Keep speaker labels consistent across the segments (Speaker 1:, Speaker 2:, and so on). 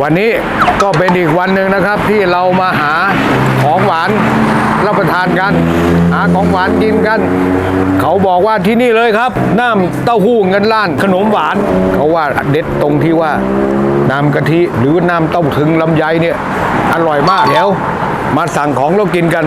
Speaker 1: วันนี้ก็เป็นอีกวันหนึ่งนะครับที่เรามาหาของหวานรับประทานกันหาของหวานกินกันเขาบอกว่าที่นี่เลยครับน้ำเต้าหู้เงินล้านขนมหวานเขาว่าเด็ดตรงที่ว่าน้ำกะทิหรือน้ำเต้าถึงลำไยเนี่ยอร่อยมากเดี๋ยวมาสั่งของแล้วกินกัน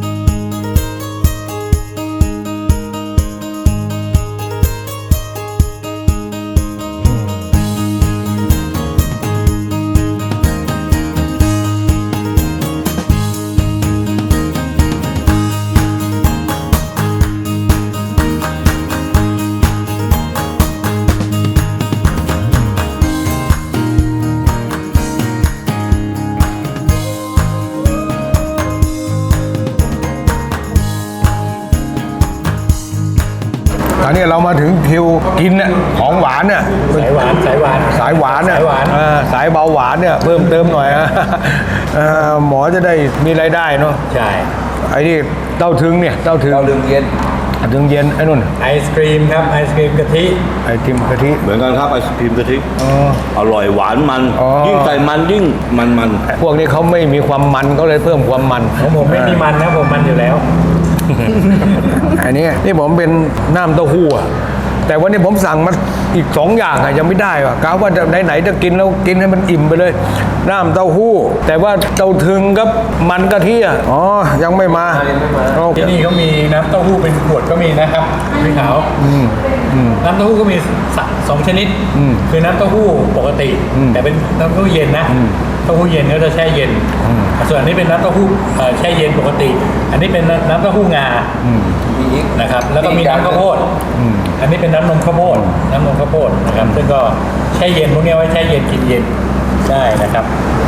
Speaker 1: ตอนนี้เรามาถึงคิวกินเนี่ยของหวานเนี่ย
Speaker 2: สายหวาน
Speaker 1: เนี่ยสายเบาหวานเนี่ยเพิ่มเติมหน่อยหมอจะได้มีรายได้เนาะ
Speaker 2: ใช่
Speaker 1: ไอ้นี่เต้าถึงเนี่ยเต้าถึง
Speaker 3: เย็น
Speaker 1: ถึงเย็นไอ้นู่น
Speaker 2: ไอศครีมครับไอศครีมกะทิ
Speaker 1: ไอติมกะทิ
Speaker 3: เหมือนกันครับไอศครีมกะทิอร่อยหวานมันยิ่งใส่มันยิ่งมัน
Speaker 1: พวกนี้เขาไม่มีความมันเขาเลยเพิ่มความมัน
Speaker 2: ของผมไม่มีมันนะผมมันอยู่แล้ว
Speaker 1: อันนี้นี่ผมเป็นน้ำเต้าหู้แต่วันนี้ผมสั่งมาอีก2อย่างยังไม่ได้ว่ะกะว่าจะไหนจะกินแล้วกินให้มันอิ่มไปเลยน้ำเต้าหู้แต่ว่าเต้าถึงกับมันกะทิยังไม่มา
Speaker 2: ที่นี่เขามีน้ำเต้าหู้เป็นขวดก็มีนะครับพี่ขาวน้ำเต้าหู้ก็มี2ชนิดคือน้ำเต้าหู้ปกติแต่เป็นน้ำเต้าหู้เย็นนะเต้าหู้เย็นก็จะแช่เย็นส่วนอันนี้เป็นน้ำเต้าหู้แช่เย็นปกติอันนี้เป็นน้ำเต้าหู้งานะครับแล้วก็มีน้ำข้าวโพดอันนี้เป็นน้ำนมข้าวโพดนะครับซึ่งก็แช่เย็นพวกนี้ไว้แช่เย็นกินเย็นได้นะครับ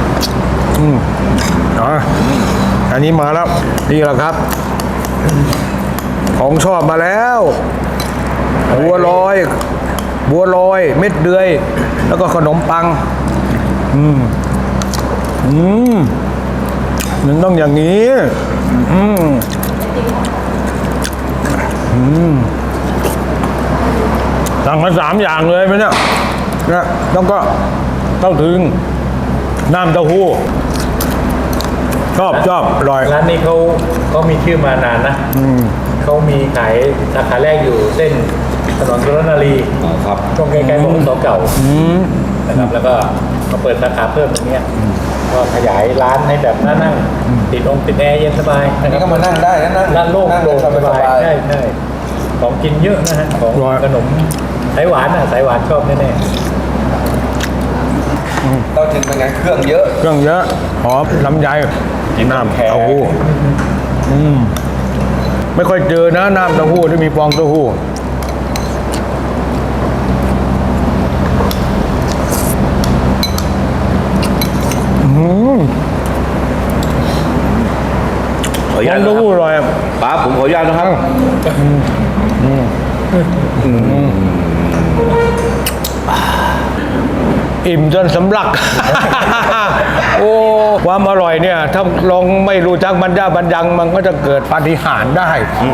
Speaker 1: อันนี้มาแล้วนี่แหละครับของชอบมาแล้วบัวลอยเม็ดเดือยแล้วก็ขนมปังมันต้องอย่างนี้สั่งมา3อย่างเลยไหมเนี่ยแล้วก็เต้าถึงน้ำเต้าหู้ชอบอร่อย
Speaker 2: ร้านนี้เขามีชื่อมานานนะเขามีขายสาขาแรกอยู่เส้นถนนสุรนารี
Speaker 3: ครับ
Speaker 2: ตรงใกล้ๆบขส.เก่านะครับแล้วก็มาเปิดสาขาเพิ่มตรงนี้ก็ขยายร้านให้แบบนั่งติดแอร์เย็นสบาย
Speaker 3: อันนี้ก็มานั่งได้นะ
Speaker 2: ร้านโล่งสบายใช่ของกินเยอะนะฮะของขนมสายหวานสายหวานชอบแน่
Speaker 3: ๆเต้าถึงเป็นไงเครื่องเยอะ
Speaker 1: หอมลำไยน้ำเต้าหู้ไม่ค่อยเจอนะน้ำเต้าหู้ที่มีฟองเต้าหู้
Speaker 3: ขออนุญาต
Speaker 1: เต้าหู้อร่อย
Speaker 3: ป้าผมขออนุญาตนะครับ
Speaker 1: อิ่มจนสำลัก โอ้ความอร่อยเนี่ยถ้าลองไม่รู้จักบรรยังมันก็จะเกิดปาฏิหาริย์ได้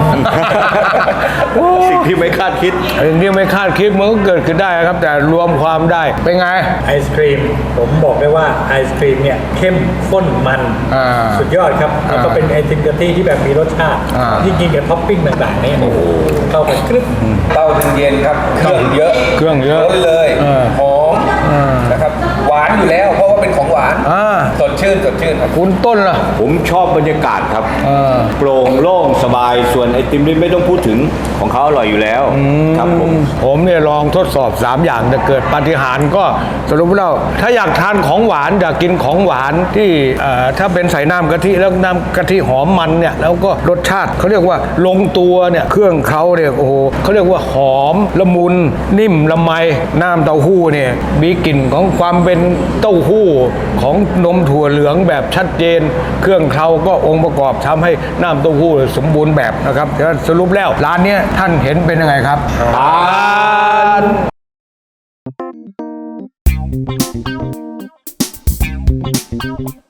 Speaker 3: สิ่งที่ไม่คาดคิด
Speaker 1: มันก็เกิดขึ้นได้ครับแต่รวมความได้เป็นไง
Speaker 2: ไอศครีมผมบอกได้ว่าไอศครีมเนี่ยเข้มข้นมันสุดยอดครับแล้วก็เป็นไอติมกะทิที่แบบมีรสชาติที่กินกับท็อปปิ้งต่างๆนี่เข้ากันครึบ
Speaker 3: เต้าถึงเย็นครับเครื่องเยอะเลยหอมนะครับหวานอยู่แล้วเพราะว่าเป็นของหวานสดชื่นครับ
Speaker 1: คุณต้นล่ะ
Speaker 3: ผมชอบบรรยากาศครับโปร่งโล่งสบายส่วนไอติมนี่ไม่ต้องพูดถึงของเขาอร่อยอยู่แล้วครับ
Speaker 1: ผมเนี่ยลองทดสอบ3อย่างแต่เกิดปาฏิหาริย์ก็สรุปแล้วถ้าอยากทานของหวานอยากกินของหวานที่ถ้าเป็นใส่น้ำกะทิแล้วน้ำกะทิหอมมันเนี่ยแล้วก็รสชาติเขาเรียกว่าลงตัวเนี่ยเครื่องเขาเนี่ยโอ้โหเขาเรียกว่าหอมละมุนนิ่มละไมน้ำเต้าหู้เนี่ยมีกลิ่นของความเป็นเต้าหู้ของนมถั่วเหลืองแบบชัดเจนเครื่องเคล้าก็องค์ประกอบทำให้น้ำเต้าหู้สมบูรณ์แบบนะครับสรุปแล้วร้านนี้ท่านเห็นเป็นยังไงครับผ่าน